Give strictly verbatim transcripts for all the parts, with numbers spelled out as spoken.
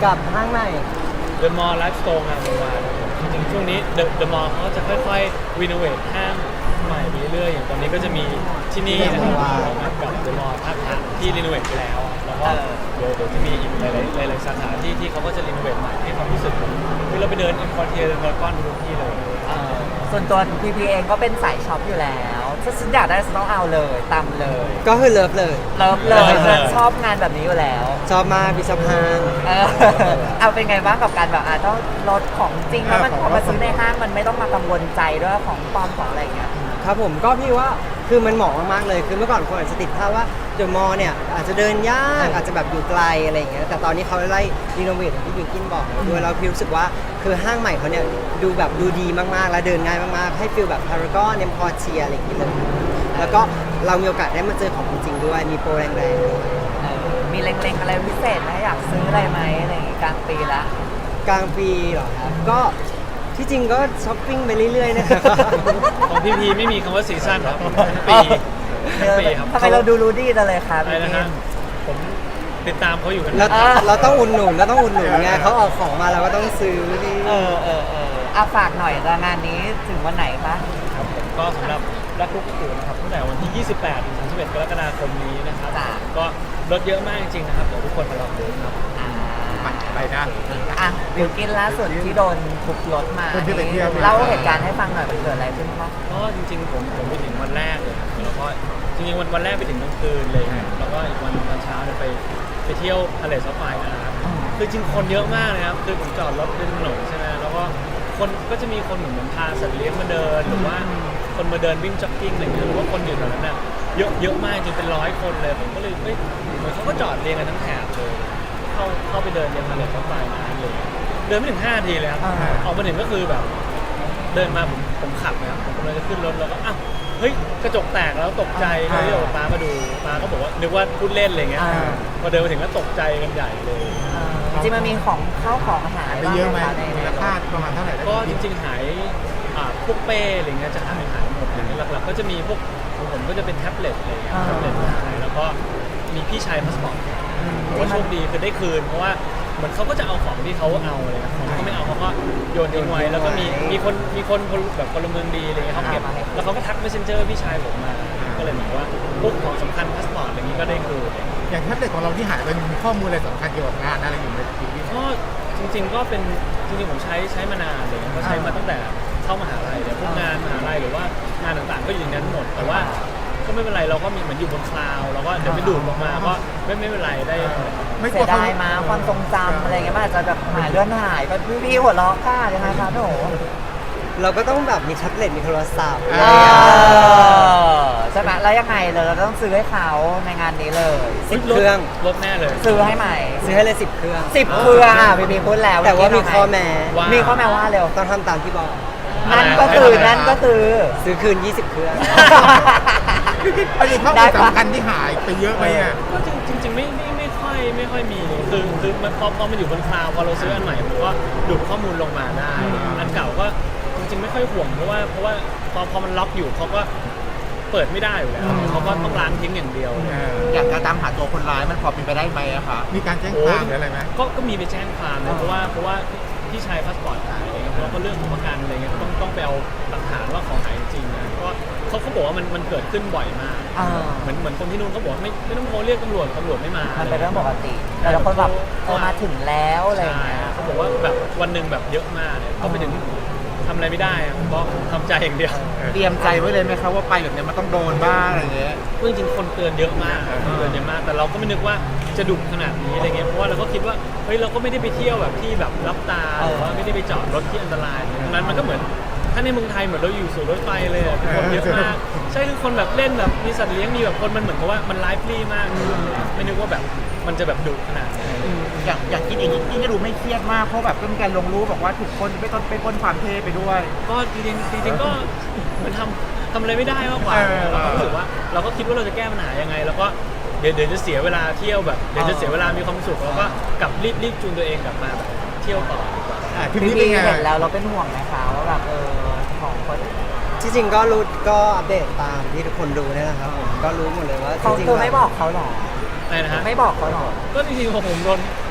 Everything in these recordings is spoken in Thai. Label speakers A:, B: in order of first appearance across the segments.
A: กับห้างใหม่
B: The Mall Life Store งานวานจริงๆช่วงนี้ The The Mall เขาจะค่อยๆรีโนเวทห้างใหม่ไปเรื่อยๆอย่างตอนนี้ก็จะมีที่นี่นะครับกับ The Mall ท่าพระที่รีโนเวทไปแล้วแล้วก็เดี๋ยวเดี๋ยวจะมีอีกหลายๆหลายๆสาขาที่ที่เขาก็จะรีโนเวทใหม่ให้ความรู้สึกแบบเฮ้ยเราไปเดินอินคอร์เทียเดินพารากอนทุกที่เลย
C: เอ่อส่วนตัวพีพีเองก็เป็นสายช็อปอยู่แล้วถ้าฉันอยากได้ฉันต้องเอาเลยตามเลย
A: ก็คือเลิฟเลย
C: เลิฟเลยฉันชอบงานแบบนี้อยู่แล้ว
A: ชอบมากพี่ชอบห้าง
C: เออเอาเป็นไงบ้างกับการแบบอ่ะต้องลดของจริงแล้วมันพอมาซื้อในห้างมันไม่ต้องมากังวลใจด้วยของปลอมของอะไรอย่างเงี้ย
A: ครับผมก็พี่ว่าคือมันเหมาะมากๆเลยคือเมื่อก่อนคนอาจจะติดภาพว่าเดอะมอลล์เนี่ยอาจจะเดินยากอาจจะแบบอยู่ไกลอะไรอย่างเงี้ยแต่ตอนนี้เขาไล่รีโนเวทอย่างที่บิวกินบอกด้วยแล้วพี่รู้สึกว่าคือห้างใหม่เขาเนี่ยดูแบบดูดีมากๆและเดินง่ายมากๆให้ฟีลแบบพารากอนเนมพอเชียอะไรอย่างเงี้ยเลยแล้วก็เรามีโอกาสได้มาเจอของจริงๆด้วยมีโปรแรงๆด้วย
C: เออมีเล็งๆอะไรพิเศษไหมอยากซื้ออะไรไหมอะไรอย่างงี้กลางปีละ
A: กลางปีเหรอครับก็ที่จริงก็ช้อปปิ้งไปเรื่อยๆนะครับ
B: ของพีพีไม่มีคำว่าซีซั่นครับทั้งปีทั้งปีครับ
C: ทำไมเราดูรู้ดีจังเลยครับ
B: อะไรนะฮะผมติดตามเขาอยู่กัน
A: เรา
B: นะ
A: เราต้องอุดหนุนเราต้องอุดหนุนไงเขาออกของมาเราก็ต้องซื้อนี่
C: เออเออเออเอาฝากหน่อยงานนี้ถึงวันไหนคะ
B: ครับผมก็สำหรับรักลูกกูนะครับตั้งแต่วันที่ ยี่สิบแปด ถึง สามสิบเอ็ด กรกฎาคมนี้นะครับก็ลดเยอะมากจริงๆนะครับเดี๋ยวทุกคนมาลองดูครับ
C: อ่า
D: ไปนะ
C: อ่ะบิวกินล่าสุดที่โดนทุบรถมา
D: คนที่ไปเที่ยวมา
C: เล่าเหตุการณ์ให้ฟังหน่อยมันเกิดอะไรขึ้นบ้าง
B: ก็จริงๆผมผมไปถึงวันแรกเลยครับแล้วก็จริงๆวันวันแรกไปถึงกลางคืนเลยครับแล้วก็อีกวันตอนเช้าเนี่ยไปไปเที่ยวทะเลซับไฟนะครับคือจริงคนเยอะมากเลยครับคือผมจอดรถริมถนนใช่ไหมแล้วก็คนก็จะมีคนเหมือนเหมือนพาสัตว์เลี้ยงมาเดินหรือว่าคนมาเดินวิ่งจ็อกกิ้งอะไรอย่างเงี้ยหรือว่าคนอยู่แถวนั้นน่ะเยอะเยอะมากจนเป็นร้อยคนเลยผมก็เลยเอ้ยเหมือนเขาก็จอดเรียงกันทั้งแถบเลยเข้าเข้าไปเดินยังทะเลซับไฟมาเลยเดินไม่ถึงห้านาทีเลยครับออกมาถึงก็คือแบบ เดินมาผมผมขับนะครับผมกำลังจะขึ้นรถแล้วก็อ้าวเฮ้ยกระจกแตกแล้วตกใจก็เลยบอกป้ามาดูป้าก็บอกว่านึกว่าพูดเล่นอะไรเงี้ยพอเดินมาถึงก็ตกใจกันใหญ่เลย
C: จริงๆมันมีของเข้าของหาย
D: ไป
C: บ้าง
D: เยอะไห
C: ไห
D: ม
C: มคะใน
D: มูลค่าประมาณเท่าไหร่ได้
B: ก็จริงๆหายอ่าพวกเป้อะไรเงี้ยจะหายหายหมดเลยหลักๆก็จะมีพวกของผมก็จะเป็นแท็บเล็ตอะไรเงี้ยแท็บเล็ตหายแล้วก็มีพี่ชายพาสปอร์ตผมว่าโชคดีคือได้คืนเพราะว่าเหมือนเขาก็จะเอาของที่เขาเอาอะไรเงี้ยของเขาไม่เอาเขาก็โยนทิ้งไว้แล้วก็มีมีคนมีคนแบบพลเมืองดีอะไรเงี้ยเขาเก็บแล้วเขาก็ทัก messenger พี่ชายผมมาก็เลยเหมือนว่าพวกของสำคัญพาสปอร์ตอะไรงี้ก็ได้คืน
D: อย่างแท็บเล็ตของเราที่หายไปมีข้อมูลอะไรสำคัญเกี่ยวกับงานอะไรอยู่ในชีวิต
B: ก็จริงๆก็เป็นจริงๆผมใช้ใช้มานานเลยก็ใช้มาตั้งแต่เข้ามหาลัยเลยพวกงานมหาลัยหรือว่างานต่างๆก็อยู่ในนั้นหมดแต่ว่าก็ไม่เป็นไรเราก็มีเหมือนอยู่บนคลาวด์เราก็เดี๋ยวไปดูดลงมาก็ไม่ไม่เป็นไรได้
D: ไม่ก
C: เสี
D: ลัวย เขา
C: ดายมาความทรงจำอะไรเงี้ยมันอาจจะแบบหายเลื่อนหายก็พี่พี่หัวเราะค่ะยังไงคะโหนู
A: เราก็ต้องแบบมีแท็บเล็ตมีโทรศัพท์
C: เออใช่ไหมแล้วยังไงเลยเราต้องซื้อให้เขาในงานนี้เลย
A: สิบเครื่อง
B: ลดแน่เลย
C: ซื้อให้ใหม่
A: ซื้อให้เลยสิบเครื่อง
C: สิบเครื่องอ่ะพี่พีพูดแล้ว
A: แต่ว่ามีข้อแม้
B: ว่า
C: มีข้อแม้ว่าเร็ว
A: ต้องทำตามที่บอก
C: นั่นก็คือนั่นก็คือ
A: ซื้อคืน ยี่สิบ เครื่อง
D: อันนี้ข้อมูลสำคัญที่หายไปเยอะไหมอ่ะ
B: ก็จริงจริงๆไม่ไม่ไม่ค่อยไม่ค่อยมีคือคือมันพอพอมันอยู่บนคลาวด์พอเราซื้ออันใหม่มันก็ดูดข้อมูลลงมาได้ อันเก่าก็จริง ๆ ไม่ค่อยห่วงเพราะว่าเพราะว่าพอพอมันล็อกอยู่เขาก็เปิดไม่ได้อยู่แล้วเขาก็ต้องล้างทิ้งอย่างเดียว
E: อยากจะตามหาตัวคนร้ายมันพอเป็นไปได้ไหมอะคะ
D: มีการแจ้งความหรืออะไรไหม
B: ก็ก็มีไปแจ้งความนะเพราะว่าเพราะว่าพี่ชายพาสปอร์ตหายอะไรเงี้ยแล้วก็เรื่องของประกันอะไรเงี้ยก็ต้องต้องไปเอาหลักฐานว่าของหายจริงนะก็เขาเขาบอกว่ามันมันเกิดขึ้นบ่อยมาก
C: อ่า
B: เหมือนเหมือนคนที่นู่นเขาบอกว่าไม่ไม่ต้องโทรเรียกตำรวจตำรวจไม่มา
C: มันเป็นเรื่องปกติแต่ละคนแบบเออมาถึงแล้วอะไรอย่าง
B: ใช่
C: เงี้ย
B: เขาบอกว่าแบบวันหนึ่งแบบเยอะมากเนี่ยก็ไปถึงทำอะไรไม่ได้อะก็ทำใจอย่างเดียว
E: เตรียมใจไว้เลยไหมคะว่าไปแบบเนี้ยมันต้องโดนบ้างอะไรเงี้ย
B: จริงๆคนเตือนเยอะมากคนเตือนเยอะมาก แต่เราก็ไม่นึกว่าจะดุขนาดนี้อะไรเงี้ย เพราะว่าเราก็คิดว่าเฮ้ยเราก็ไม่ได้ไปเที่ยวแบบที่แบบรับตาหรือว่าไม่ได้ไปจอดรถที่อันตรายตรงนั้นมันก็เหมือนถ้าในเมืองไทยเหมือนเราอยู่สู่รถไฟเลยอะคนเยอะมากใช่คือคนแบบเล่นแบบมีสัตว์เลี้ยงมีแบบคนมันเหมือนกับว่ามันไลฟ์ฟรีมากไม่นึกว่าแบบมันจะแบบดุขนาดนี้
E: อย่างอย่างกินเองยิ่งจะดูไม่เครียดมากเพราะแบบก็มีการลงรูปบอกว่าถูกคนไปต้นไปปล้นความเท่ไปด้วย
B: ก็จริงๆจริงๆก็มันทำทำอะไรไม่ได้มากกว่า
E: เออ
B: เราก็รู้สึกว่าเราก็คิดว่าเราจะแก้ปัญหายังไง แล้วก็เดี๋ยวเดี๋ยวจะเสียเวลาเที่ยวแบบเดี๋ยวจะเสียเวลามีความสุขแล้วก็กลับรีบรีบจูนตัวเองกลับมาแบบเที่ยวต่อดีกว่า
D: อ่ะที
C: พี่
D: นี้
C: พี
D: เป็นไง
C: เห็นแล้วเราเป็นห่วงไหมคะว่าแบบเออของคน
A: ที่จริงก็รู้ก็อัปเดตตามที่ทุกคนรู้เนี่ยนะครับผมก็รู้หมดเลยว่าจ
C: เขา
A: ริงๆ
C: คือไม่บอกเขาหรอ
B: อะไรนะฮะ
C: ไม่บอกเขาหรอ
B: ก็จริงๆผมโดน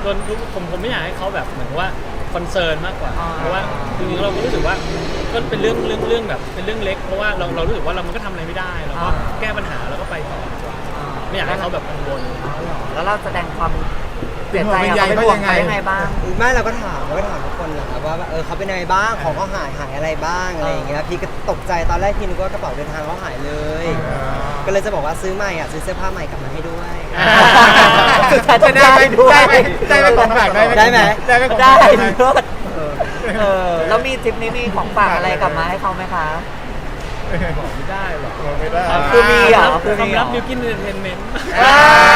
B: โดนทุกผมผมไม่อยากให้เขาแบบเหมือนว่าคอนเซิร์นมากกว่า
C: อ่า
B: เพราะว่าจริงๆเราก็รู้สึกว่าก็เป็นเรื่องเรื่องเรื่องแบบเป็นเรื่องเล็กเพราะว่าเราเรารู้สึกว่าเรามันก็ทำอะไรไม่ได้เราก็แก้ปัญหาแล้วก็ไปต่อดีกว่าไม่อยากให้เขาแบบกังวล
C: แล้วเราแสดงความเสียใจกับเขาเป็นห่วงเขายังไงบ้าง
A: ไม่เราก็ถามเราก็ถามทุกคนแหละครับว่าเออเขาเป็นยังไงบ้างของเขาหายหายอะไรบ้างอะไรอย่างเงี้ยพี่ก็ตกใจตอนแรกพี่นึกว่ากระเป๋าเดินทางเขาหายเลย ก็เลยจะบอกว่าซื้อใหม่อ่ะซื้อเสื้อผ้าใหม่กลับมาให้ด้วย
C: สุดท้ายจะได้ด้วย
D: ได้ไหมได้ไหมของฝากได้ไหม
A: ได้ไหม
D: ได้ไหมของ
C: ได้
D: ฝากได้ไหม
C: เลิศเออแล้วมีทริปนี้มีของฝากอะไรกลับมาให้เขาไหมคะ
B: บอกไม่ได้หรอก
D: บอกไม่ได้
C: คือมีเหรอคือมี
B: ความ
C: เหร
B: ลั
C: อบ
B: บิวกินเอนเตอร์เทนเมนต์
C: อ่า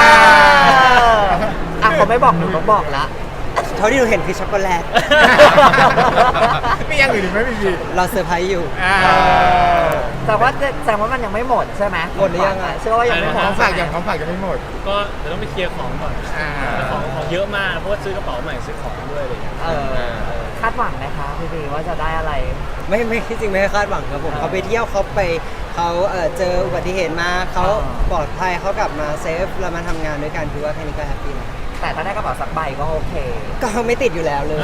C: อ่ะเขาไม่บอกหนูก็บอกละ
A: เท่าที่หนูเห็นคือช็อกโกแลต
D: มีอย่างอื่นอีกไหมพี่บี
A: เราเซอร์ไพรส์อยู่
D: อ่า
C: แต่ว่าแสดงว่ามันยังไม่หมดใช่ไหม
A: หมดหรือยังอะ
C: เชื่อว่ายังไม่หม
D: ข
C: ด
D: องฝากอย่างของฝากยังไม่หมด
B: ก็เดี๋ยวต้องไปเคลียร์ของก่อน
D: อ่า
B: ของของเยอะมากเพราะว่าซื้อกระเป๋าใหม่ซื้อของด้วยอะไรอย่างเงี้ย
C: เออคาดหวังไหมคะพี่บีว่าจะได้อะไร
A: ไม่ไม่ที่จริงไม่ได้คาดหวังครับผม
C: อ่า
A: เขาไปเที่ยวเขาไปเขาเออเจออุบัติเหตุมาเขา
C: อ่า
A: ปลอดภัยเขากลับมาเซฟเรามาทำงานด้วยกันคือว่าแค่นี้ก็แฮปปี้แล้ว
C: แต่ถ้าได้กระเป๋าสักใบก็โอเค
A: ก็ไม่ติดอยู่แล้วเลย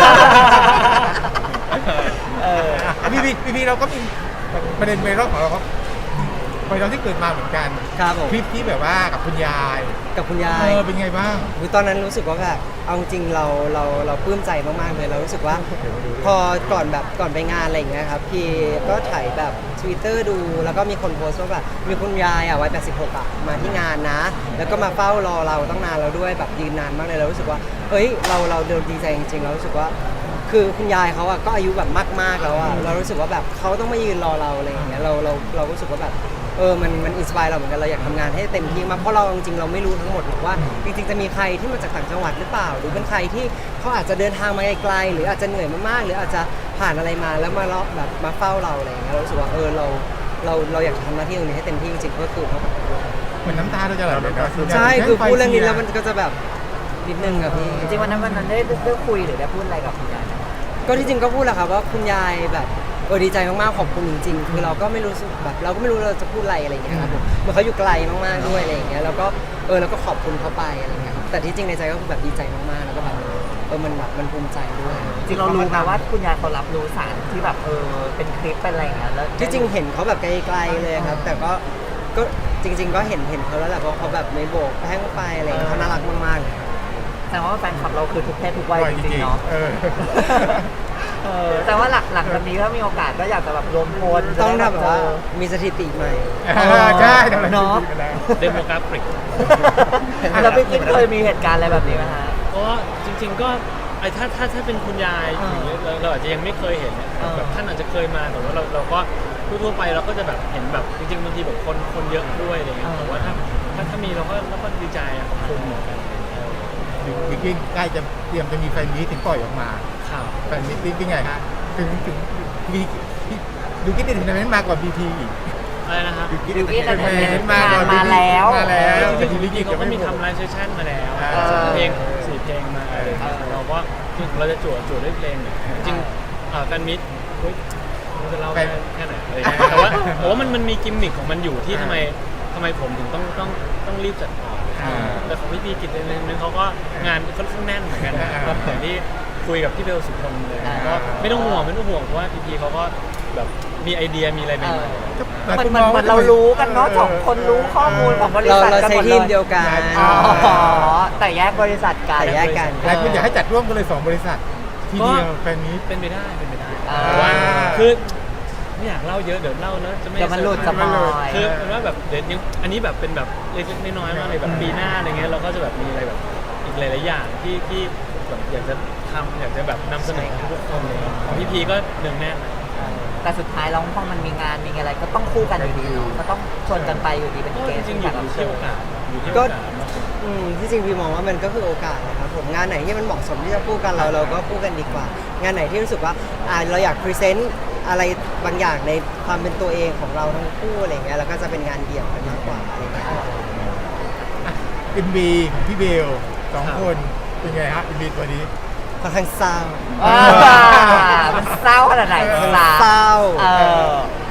C: เออ
D: อ่ะพี่บีพี่บีเราก็มีประเด็นเมรอบของเราก็ไปเราที่เกิดมาเหมือนกัน
A: ครับผม
D: คลิปที่แบบว่ากับคุณยาย
A: กับคุณยา
D: เอย อเป็นไงบ้าง
A: คือตอนนั้นรู้สึกว่าแบบเอาจริงๆเราเราเราปลื้มใจมากๆเลยเรารู้สึกว่า พอก่อนแบบก่อนไปงานอะไรอย่างเงี้ยครับพี่ก็ถ่ายแบบ Twitter ดูแล้วก็มีคนโพสต์ว่าแบบมีคุณยายอ่ะวัยแปดสิบหกอ่ะมาที่งานนะ แล้วก็มาเฝ้ารอเราตั้งนานแล้วด้วยแบบยืนนานมากเลยเรารู้สึกว่าเฮ้ยเราเราเดินดีใจจริงๆเรารู้สึกว่า คือคุณยายเขาอ่ะก็อายุแบบมากๆแล้วอ่ะเรารู้สึกว่าแบบเขาต้องมายืนรอเราอะไรอย่างเงี้ยเราเราเรารู้สึกว่าแบบเออมันมันอินสปายเราเหมือนกันเราอยากทำงานให้เต็มที่มากเพราะเราจริงๆเราไม่รู้ทั้งหมดหรอกว่าจริงๆจะมีใครที่มาจากต่างจังหวัดหรือเปล่า หรือเป็นใครที่เขาอาจจะเดินทางมาไกลๆหรืออาจจะเหนื่อยมากๆหรืออาจจะผ่านอะไรมาแล้วมารอแบบมาเฝ้าเราอะไรอย่างเงี้ยเรารู้สึกว่าเออเราเราเราอยากทำหน้าที่ตรงนี้ให้เต็มที่จริงๆก็คือเขาแบบ
D: เหมือนน้ำตาเราจะไหลเลยนะ
A: ใช่คือพูดเรื่องนี้แล้วมันก็จะแบบนิดนึงอะพี่
C: จริงๆวันนั้นวันนั้นได้ได้คุยหรือได้พูดอะไรกับคุณยายไหม
A: ก็ที่จริงก็พูดแหละครับว่าคุณยายแบบเออดีใจมากๆขอบคุณจริงๆคือเราก็ไม่รู้สึกแบบเราก็ไม่รู้เราจะพูดอะไรอะไรอย่างเงี้ยครับผมเหมือนเขาอยู่ไกลมากๆด้วยอะไรอย่างเงี้ยแล้วก็เออเราก็ขอบคุณเขาไปอะไรอย่างเงี้ยครับแต่ที่จริงในใจก็คือแบบดีใจมากๆแล้วก็แบบเออมันแบบมันภูมิใจด้วย
C: จริงเรารู้ไหมว่าคุณยายเขารับรู้สารที่แบบเออเป็นคลิปเป็นอะไรอย่างเงี้ยแล้ว
A: ที่จริงเห็นเขาแบบไกลๆเลยครับ แต่ก็ก็จริง ๆ ก็เห็นเห็นเขาแล้วแหละเพราะเขาแบบไม่โบกแห้งไปอะไรอย่างเงี้ยเขาน่ารักมากๆเลย
C: แสดงว่าแฟนคลับเราคือทุกเพศทุกวัยจริงๆเนาะ
D: เออ
C: เออแต่ว่าหลักหลังจากนี้ถ้ามีโอกาสก็อยากจะแบบรวมพล
A: ต้อง
C: จะ
A: ทำ
C: ได้
A: แบบว่า
C: เจอ
A: มีสถิติใหม่
D: เออใช่ทำอะไร
C: เนาะ
D: กันแล้ว
B: เดโมกราฟิก
C: แล้วพี่กิ๊กเคยมีเหตุการณ์อะไรแบบนี้ไหมฮะ
B: ก็จริง ๆก็ไอ้ถ้าถ้าถ้าเป็นคุณยาย
C: อ่า
B: อย่างเงี้ยเราเราอาจจะยังไม่เคยเห็นนะ
C: อ่า
B: แบบท่านอาจจะเคยมาแต่ว่าเราเราก็ทั่วๆไปเราก็จะแบบเห็นแบบจริงๆบางทีแบบคนคนเยอะด้วยอะไรเงี้ยแต่ว่าถ้าถ้าถ้ามีเราก็เราก็ดีใจอะขอบคุณเหมือนกันเออ
D: บิ๊กกิ้งใกล้จะเตรียมจะมีแฟนมีตถึงปล่อยออกมา
B: ข่าว
D: แฟนมีตเป็นไงฮะถึงถึงมีดูกิ๊กถึงนั้นมาก่อนบีทีอีก
B: อะไรนะครับ
D: ดูกิ๊ก
C: ดูกิ๊ก
D: ถึงนั้นมาก่อน
C: มาแล้ว
D: มาแล้ว
B: จริงๆ
D: บิ๊ก
B: จริ
D: กิ้
B: งๆเขาก็มีทำไลฟ์เซสชั่นมาแล้ว
D: อ่า
B: เพลงสี่เพลงมาอะไรอย่างเงี้ยเราก็เราจะจวดจวดด้วยเพลงเนี่ยจริงๆอ่าแฟนมิตรเฮ้ยเราจะเล่าได้แค่ไหนอะไรอย่างเงี้ยแต่ว่าแต่ว่ามันมันมีกิมมิคของมันอยู่ที่ทำไมทำไมผมถึงต้องต้องต้องรีบจัดออก
D: อ่า
B: แต่ของพี่พีกิจเองนึงเขาก็งานค่อนข้างแน่นเหมือนกันนะ
D: อ่า
B: อย่างที่คุยกับพี่เบลสุพลเลย
C: อ่า
B: ก็ไม่ต้องห่วงไม่ต้องห่วงเพราะว่าพีพีเขาก็แบบมีไอเดียมีอะไรใหม่ๆ
C: มันมันเหมือนเรารู้กันเนาะสองคนรู้ข้อมูลของบริ
A: เรา
C: ษัท
A: เรา
C: กัน
A: ใช้
C: หมด
A: ที
C: เล
A: ม
C: ย
A: เดียวกัน
C: อ๋อแต่แยกบริษัทกัน
A: แต่แยกกัน
D: หลายคนอยากให้จัดร่วมกันเลยสองบริษัททีเดียวแฟนมีต
B: เป็นไปได้เป็นไปได้
C: อ่า
B: แต่ว่าคือไม่อยากเล่าเยอะเดี๋ยวเล่าแล้วจะไม่
C: เดี๋ยวมันหลุดสปอย
B: คือเป็นว่าแบบเดี๋ยวยังอันนี้แบบเป็นแบบเล็กๆน้อยๆมากเลยแบบปีหน้าอะไรเงี้ยเราก็จะแบบมีอะไรแบบอีกหลายๆอย่างที่ที่แบบอยากจะทำอยากจะแบบนำเสนอให้ทุกคนเลยของพี่พีก็เนืองแน่น
C: แต่สุดท้ายแล้วพอมันมีงานมีอะไรก็ต้องคู่กันอยู่ดีเนาะก็ต้องชวนกันไปอยู่ดีเป็น
B: ก็
C: เก
B: จ
C: ส
B: ริงๆอ
C: แข
B: ยู่
C: กรับ
B: ที่
C: เชิ
B: โอ
C: ญ
B: กาสอยู่ที่โอ
A: ก็
B: กาสมากกว่า
A: อืมที่จริงพี่มองว่ามันก็คือโอกาสนะครับผมงานไหนที่มันเหมาะสมที่จะพูดกันเราเราก็พูดกันดีกว่า งานไหนที่รู้สึกว่าอ่าเราอยากพรีเซนต์อะไรบางอย่างในความเป็นตัวเองของเราทั้งคู่อะไรเงี้ยแล้วก็จะเป็นงานเดี่ยวกันมากกว่าอะไรเงี้ย
D: เอ็มบีของพี่เบลสองคนเป็นไงฮะเอ็มบีตัวนี้
A: ค่อนข้างเศร้า
C: อ่ามันเศร้าขนาดไหนล่ะ
A: เศร้า
C: เออ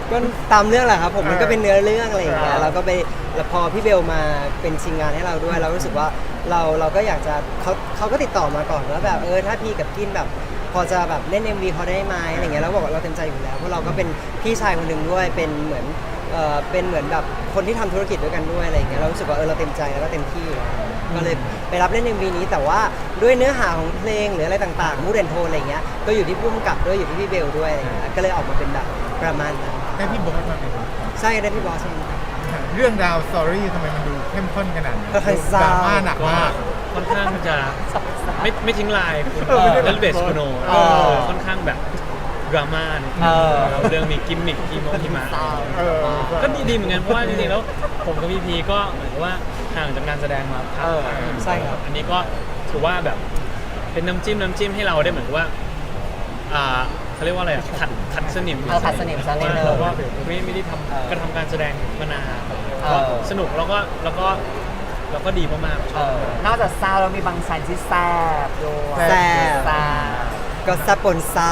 A: ก็ตามเรื่องแหละครับผมมันก็
D: เออ
A: เป็นเนื้อเรื่องอะไรอย่างเงี้ย
D: เออ
A: เราก็ไปแล้วพอพี่เบลมาเป็นชิงงานให้เราด้วย เรารู้สึกว่าเราเราก็อยากจะเขาเขาก็ติดต่อมาก่อนว่าแบบเออถ้าพี่กับกินแบบ พอจะแบบเล่น เอ็ม วี เขาได้ไหมอะไรเงี้ยแล้วบอกว่าเราเต็มใจอยู่แล้วเพราะเราก็เป็นพี่ชายคนหนึ่งด้วยเป็นเหมือนเออเป็นเหมือนแบบคนที่ทำธุรกิจด้วยกันด้วยอะไรเงี้ยเรารู้สึกว่าเออเราเต็มใจแล้วก็เต็มที่อยู่แล้วก็เลยไปรับเล่น เอ็ม วี นี้แต่ว่าด้วยเนื้อหาของเพลงหรืออะไรต่างๆมูดแอนโทนอะไรเงี้ยก็อยู่ที่พุ่มกับด้วยอยู่ที่พี่เบลด้วยอะไรเงี้ยก็เลยออกมาเป็นแบบประมาณนั้น
D: ได้พี่บอสมาเป็นคน
A: ใช่ได้พี่บอสใช่ไหม
D: เรื่องราวสตอรี่ทำไมมันดูเข้มข้นขนาดนี้
A: ค่อนข้างเศร้า
D: ดราม่าหนัก
B: ก็
D: มาก
B: ค่อนข้างจะไม่ไม่ทิ้งลายคุณ
D: เออไม่ได้
B: เลนเบส
D: แบบ
B: โคโน
C: เออ
B: ค่อนข้างแบบดราม่านิดนึ
C: เอง อ
B: แล้วเรื่องมีกิมมิคที่มงที่มา
D: เออ
B: ก็ดีดีเหมือนกันเพราะว่าจริงๆแล้วผมกับพีพีก็เหมือนกับว่าห่างจากการแสดงมาพัก
C: เออ
A: ใช่ครับ
B: อันนี้ก็ถือว่าแบบเป็นน้ำจิ้มน้ำจิ้มให้เราได้เหมือนกับว่าอ่าเขาเรียกว่าอะไรอะขัดขัดสนิม
C: เออขัดสนิมซะนิดนึง
B: เราก็ไม่ไม่ได้ท
C: เออ
B: ำกระทำการแสดงมานาน
C: เออ
B: ก็สนุกแล้วก็แล้วก็แล้วก็ดีมากๆช
C: เอ
B: อบ
C: อนอกจากเศร้าแล้วมีบางชันที่แซ่บด้วย
A: แซ่บ
C: แซ่บ
A: ก็ซาปนซาว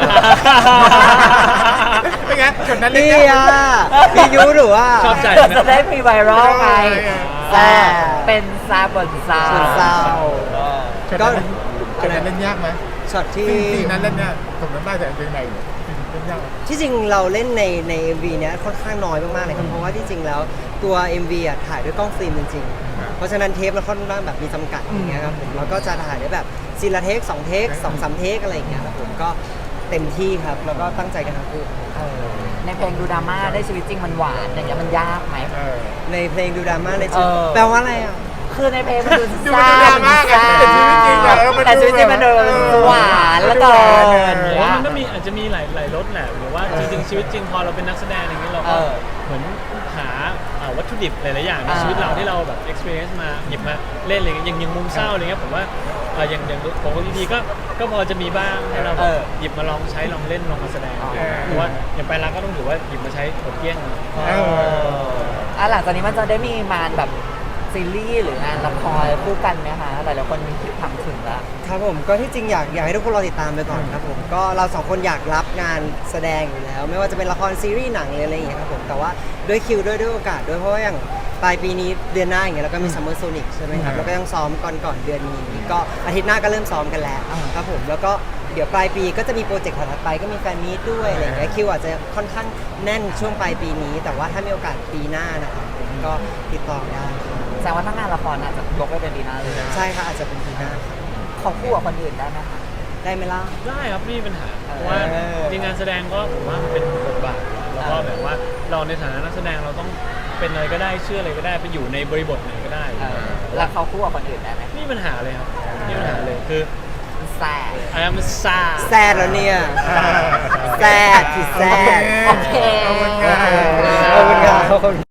D: เป็นไงจุดนั้นเลย
A: นี่
D: เนี่ย
A: อ่ะพี่ยุหรือว่า
B: ชอบใจ
C: จะได้มีไวรัลไง
D: เออ
C: แซ่บเป็นซาบนซา
A: ส่วนซาว
D: จุด
A: ก็
D: นั้นจุดนั้นเล่นยากไหม
A: ช็อตที่
D: ซีนซีนนั้นเล่นยากผมจำได้แต่เพลงไหนซีนเล่นยากไหม
A: ที่จริงเราเล่นในใน เอ็ม วี เนี้ยค่อนข้างน้อยมากๆเลยครับเพราะว่าที่จริงแล้วตัว เอ็ม วี อ่ะถ่ายด้วยกล้องฟิล์มจริง
D: ครับ
A: ๆ เพราะฉะนั้นเทปเราค่อนข้างแบบมีจำกัดอย่างเงี้ยครับผมเราก็จะถ่ายได้แบบซีนละเทคสองเทคสองสามเทคอะไรอย่างเงี้ยครับผมก็เต็มที่ครับแล้วก็ตั้งใจกันทั้งคู่
C: เออในเพลงดูดราม่าได้ชีวิตจริงมันหวานอย่างเงี้ยมันยากไหม
D: เออ
A: ในเพลงดูดราม่าเลยจริง
C: เออ
A: แปลว่าอะไรอ่ะ
C: คือในเพลงมันดู
D: ดู
C: ซ่า
D: ดราม่ากันแต่ชีวิตจริงอะเออมันดู
C: แต่ชีวิตจริงมันดู
D: เออ
C: หวานแล้วก็
D: เออ
B: ผมว่ามันก็มีอาจจะมีหลายหลายรสแหละหรือว่าจริงๆชีวิตจริงพอเราเป็นนักแสดงอย่างนี้เราก็
C: เออ
B: เหมือนหาอ่าวัตถุดิบหลายๆอย่างใน
C: อ่า
B: ชีวิตเราที่เราแบบ experience มาหยิบมาเล่นอะไรอย่างเงี้ยอย่างอย่างมุมเศร้าอะไรเงี้ยผมว่าเอ่ออย่างอย่างผมกับพีพีก็ก็พอจะมีบ้างให้เราแบบหยิบมาลองใช้ลองเล่นลองมาแสดงเพราะว่าอย่างไปรักก็ต้องถือว่าหยิบมาใช้หมดเกลี้ยงเลย
D: เออ
C: อ่ะหลังจากนี้มันจะได้มีมานแบบซีรีส์หรืองานละครคู่กันไหมคะหลายๆคนมีคิดถามถึงแล้ว
A: ครับผมก็ที่จริงอยากอยากให้ทุกคนรอติดตามไปก่อนครับผมก็เราสองคนอยากรับงานแสดงอยู่แล้ว ไม่ว่าจะเป็นละครซีรีส์หนังหรืออะไรอย่างเงี้ยครับผมแต่ว่าด้วยคิวด้วยด้วยโอกาสด้วยเพราะว่าอย่างปลายปีนี้เดือนหน้าอย่างเงี้ยเราก็มีซัมเมอร์โซนิกใช่ไหมครับ
D: อืม
A: แล้วก็ยังซ้อมก่อนก่อนเดือนนี้ก็อาทิตย์หน้าก็เริ่มซ้อมกันแล้ว
C: อ่า
A: ครับผมแล้วก็เดี๋ยวปลายปีก็จะมีโปรเจกต์ถัดไปก็มีแฟนมีตด้วยอะไรอย่างเงี้ยคิวอาจจะค่อนข้างแน่นช่วงปลายปีนี้ แต่ว่าถ้ามีโอกาสปีหน้านะครับผมก็ติดต่อได้ครับ
C: แสดงว่าถ้างานละครอาจจะยกไปเป็นปีหน้าเลย
A: ใช่ค่ะอาจจะเป็นปีหน้าครับ
C: ของคู่กับคนอื่นได้ไหมคะ
A: ได้ไหมล่ะ
B: ได้ครับไม่มีปัญหา
C: เออ
B: เพราะว่าจริงงานแสดงก็ผมว่ามันเป็นบทบาทแล้วก็แบบว่าเราในฐานะนักแสดงเราต้องเป็นอะไรก็ได้เชื่ออะไรก็ได้ไปอยู่ในบริบทไหนก็ได้
C: เออแล้วเขาคู่กับคนอื่นได้ไหม
B: ไม่มีปัญหาเลยครับไม่มีปัญหาเลยคือ
C: แซ่บ
B: I am sad
A: แซดแล้วเนี่ยแซดคือแซด
C: โอเค
D: ขอบคุณครับ
A: ขอบคุณครับ